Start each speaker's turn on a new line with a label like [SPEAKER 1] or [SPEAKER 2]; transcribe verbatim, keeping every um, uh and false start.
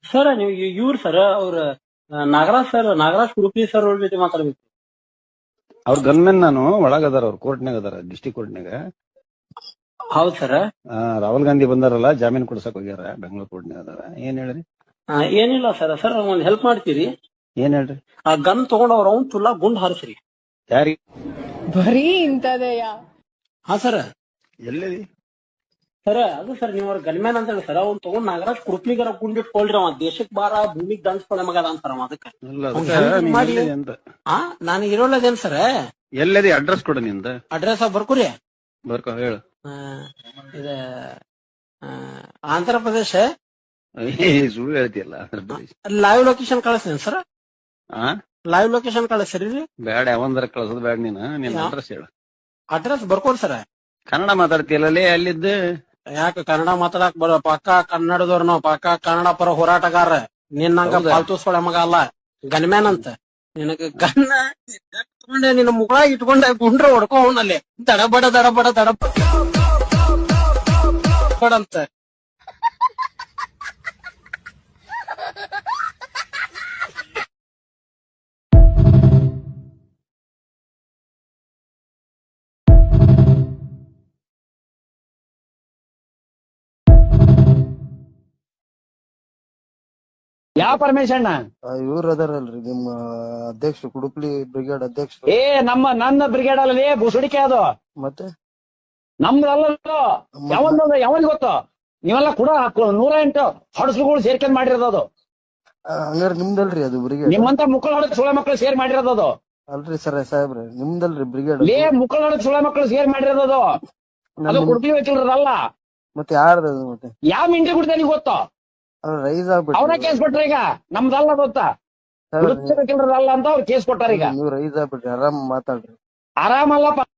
[SPEAKER 1] Sir ನೀವು ಇವ್ರು sir ಅವ್ರ ನಾಗರಾಜ್ ಸರ್ ನಾಗರಾಜ್ ಕುರುಪಿ ಸರ್ ಅವ್ರ ಜೊತೆ ಮಾತಾಡ್ಬೇಕು.
[SPEAKER 2] ಅವ್ರ ಗನ್ಮೆನ್ ನಾನು ಒಳಗದಾರ ಅವ್ರ ಕೋರ್ಟ್ನಾಗ ಅದಾರ ಡಿಸ್ಟಿಕ್ ಕೋರ್ಟ್ನಾಗ.
[SPEAKER 1] ಹೌದ್ ಸರ್.
[SPEAKER 2] ರಾಹುಲ್ ಗಾಂಧಿ ಬಂದಾರಲ್ಲ ಜಾಮೀನ್ ಕೊಡ್ಸಕ್ ಹೋಗ್ಯಾರ ಬೆಂಗಳೂರು ಕೋರ್ಟ್ನಾಗ ಅದಾರ. ಏನ್ ಹೇಳ್ರಿ?
[SPEAKER 1] ಏನಿಲ್ಲ ಸರ್. ಸರ್ ಒಂದ್ ಹೆಲ್ಪ್ ಮಾಡ್ತೀರಿ?
[SPEAKER 2] ಏನ್ ಹೇಳ್ರಿ?
[SPEAKER 1] ಆ ಗನ್ ತಗೊಂಡ್ ಅವ್ರ ಅವ್ನ್ ತುಲ್ಲಾ ಗುಂಡ್ ಹಾರಿಸ್ರಿ.
[SPEAKER 2] ಯಾರಿ?
[SPEAKER 3] ಬರೀ ಇಂತದೆಯಾ?
[SPEAKER 1] ಹಾ ಸರ್.
[SPEAKER 2] ಎಲ್ಲಿದಿ?
[SPEAKER 1] ಸರ್ ಅದು ಸರ್ ನೀವ್ ಅವ್ರ ಗನ್ಮ್ಯಾನ್ ಅಂತ ಹೇಳಿ ಸರ್ ಅವ್ನ್ ತಗೊಂಡ್ ನಾಗರಾಜ್ ಕುರುಪ್ನಿಗರ ಗುಂಡಿಟ್ಕೊಳ್ರಿ. ಅವ ದೇಶಕ್ ಬಾರ ಭೂಮಿಗ್ ದಂಚ್ಕೊಳ್ಳೋ ಮಗ ಅಂತಾರ ಅದಕ್ಕ ಮಾಡಿ. ಹಾ ನಾನು ಇರೋಲ್ಲದೇನ್ ಸರ್.
[SPEAKER 2] ಎಲ್ಲದಿ ಅಡ್ರೆಸ್ ಕೊಡ ನಿಂದ.
[SPEAKER 1] ಅಡ್ರೆಸ್ ಬರ್ಕೋರಿ.
[SPEAKER 2] ಬರ್ಕೊ ಹೇಳು.
[SPEAKER 1] ಇದ ಆಂಧ್ರ ಪ್ರದೇಶ.
[SPEAKER 2] ಸುಳ್ಳು ಹೇಳ್ತಿಯಲ್ಲ. ಆಂಧ್ರ ಪ್ರದೇಶ
[SPEAKER 1] ಲೈವ್ ಲೊಕೇಶನ್ ಕಳಿಸ್ತೀನಿ ಸರ್. ಲೈವ್ ಲೊಕೇಶನ್ ಕಳಿಸ್ರಿ.
[SPEAKER 2] ಬ್ಯಾಡ ಯಾವಂದ್ರ ಕಳ್ಸೋದ್ ಬ್ಯಾಡ. ನೀನ್ ನಿನ್ ಅಡ್ರೆಸ್ ಹೇಳು.
[SPEAKER 1] ಅಡ್ರೆಸ್ ಬರ್ಕೋರಿ ಸರ್.
[SPEAKER 2] ಕನ್ನಡ ಮಾತಾಡ್ತಿಯಲ್ಲೇ ಅಲ್ಲಿದ್ದ.
[SPEAKER 1] ಯಾಕೆ ಕನ್ನಡ ಮಾತಾಡಕ್ ಬರ ಪಕ್ಕ ಕನ್ನಡದವ್ರ ನಾವು ಪಕ್ಕ ಕನ್ನಡ ಪರ ಹೋರಾಟಗಾರ. ನಿನ್ನಂಗ ಪಾಲ್ತುಸ್ಕೊಳ ಮಗ ಅಲ್ಲ ಗನ್ಮ್ಯಾನ್ ಅಂತ. ನಿನಗ ಗನ್ನ ಇಟ್ಕೊಂಡೆ ನಿನ್ನ ಮುಗಳ ಇಟ್ಕೊಂಡೆ ಗುಂಡ್ರ ಹೊಡ್ಕೊ ಅವನಲ್ಲಿ ದಡಬಡ ದಡಬಡ ದಡಬಡ ಅಂತ.
[SPEAKER 4] ಯಾವ ಪರಮೇಶಣ್ಣ?
[SPEAKER 5] ಇವ್ರ ಅದಾರಲ್ರಿ ನಿಮ್ಮ ಅಧ್ಯಕ್ಷ ಕುಡುಪ್ಲಿ ಬ್ರಿಗೇಡ್ ಅಧ್ಯಕ್ಷ.
[SPEAKER 4] ಏ ನಮ್ಮ ನನ್ನ ಬ್ರಿಗೇಡ್ ಅಲ್ಲೇ ಬುಸುಡಿಕೆ ಅದು.
[SPEAKER 5] ಮತ್ತೆ
[SPEAKER 4] ನಮ್ದಲ್ಲ ಯಾವಂದ ಯಾವನ್ ಗೊತ್ತು? ನೀವೆಲ್ಲ ಕೂಡ ನೂರ ಎಂಟು ಹೊಡಸ್ಲುಗಳು ಸೇರ್ಕೊಂಡ್ ಮಾಡಿರೋದು ಅದು.
[SPEAKER 5] ಹಂಗಾರ ನಿಮ್ದಲ್ರಿ ಅದು ಬ್ರಿಗೇಡ್?
[SPEAKER 4] ನಿಮ್ಮಂತ ಮುಕ್ಕಳ ಹೊಡಕ್ ಸುಳ ಮಕ್ಕಳು ಸೇರ್ ಮಾಡಿರೋದು ಅದು.
[SPEAKER 5] ಅಲ್ರಿ ಸರ್ ಸಾಹೇಬ್ರೆ ನಿಮ್ದಲ್ರಿ ಬ್ರಿಗೇಡ್?
[SPEAKER 4] ಲೇ ಮುಕ್ಕಳ ಹೊಡಕ್ ಸುಳ ಮಕ್ಕಳು ಸೇರ್ ಮಾಡಿರೋದು ಅದು. ಅದು ಕುಡುಪ್ಲಿ ವಕೀಲರಲ್ಲ.
[SPEAKER 5] ಮತ್ತೆ ಯಾರ್ದ? ಮತ್ತೆ
[SPEAKER 4] ಯಾವ ಮಿಂಟ್ರಿ ಕುಡ್ತಾನೆ ಗೊತ್ತು?
[SPEAKER 5] ರೈಸ್ ಆಗ್ಬಿಟ್ಟು
[SPEAKER 4] ಅವ್ರ ಕೇಸ್ ಕೊಟ್ರ ಈಗ. ನಮ್ದಲ್ಲ ಗೊತ್ತಾ? ವಕೀಲರಲ್ಲ ಅಂತ ಅವ್ರು ಕೇಸ್ ಕೊಟ್ಟಾರ ಈಗ.
[SPEAKER 5] ನೀವು ರೈಸ್ ಆಗ್ಬಿಟ್ರಿ. ಆರಾಮ್ ಮಾತಾಡ್ರಿ.
[SPEAKER 4] ಆರಾಮಲ್ಲಪ್ಪ.